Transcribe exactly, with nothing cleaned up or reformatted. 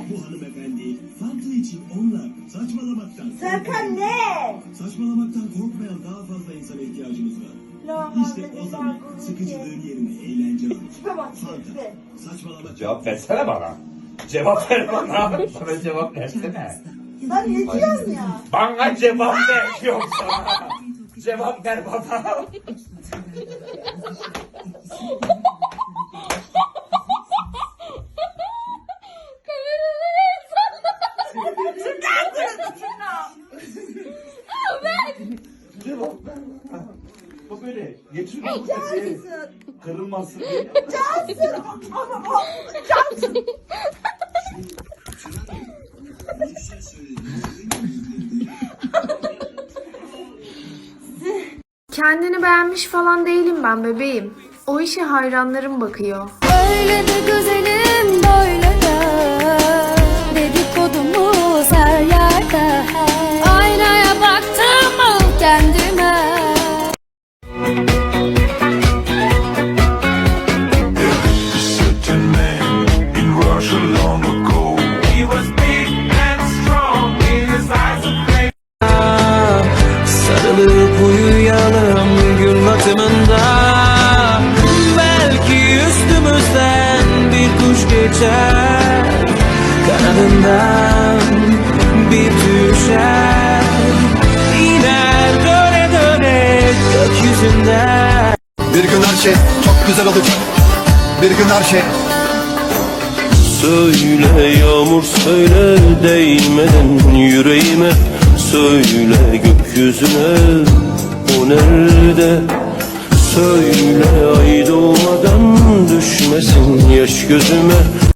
Bu hanımefendi Fanta için onunla saçmalamaktan... Serkan ne? Saçmalamaktan korkmayan daha fazla insana ihtiyacımız var. İşte o zaman sıkıcılığın yerine eğlence alır. Tamam, Fanta, saçmalamak... Cevap versene bana. Cevap ver bana. Bana cevap versene. Sen ne diyorsun ya? Bana cevap ver yoksa. Cevap ver bana. Cevap ver bana. Bu böyle geçirmesin diye, kırılmasın diye. Cansın. Ama o Cansın. Kendini beğenmiş falan değilim ben bebeğim. O işe hayranlarım bakıyor. Öyle de güzelim böyle de dedikodumuz her yerde. Aynaya baktım mı kendime. Certain man in Russia long ago. He was big and strong in his eyes of flame. Sarılıp uyuyalım gün batımında. Belki üstümüzden bir kuş geçer, kanadından bir düşer, iner döne döne gökyüzünden. Bir gün her şey çok güzel olacak. Bir gün her şey. Söyle yağmur söyle değmeden yüreğime. Söyle gökyüzüne o nerede. Söyle ay doğmadan düşmesin yaş gözüme.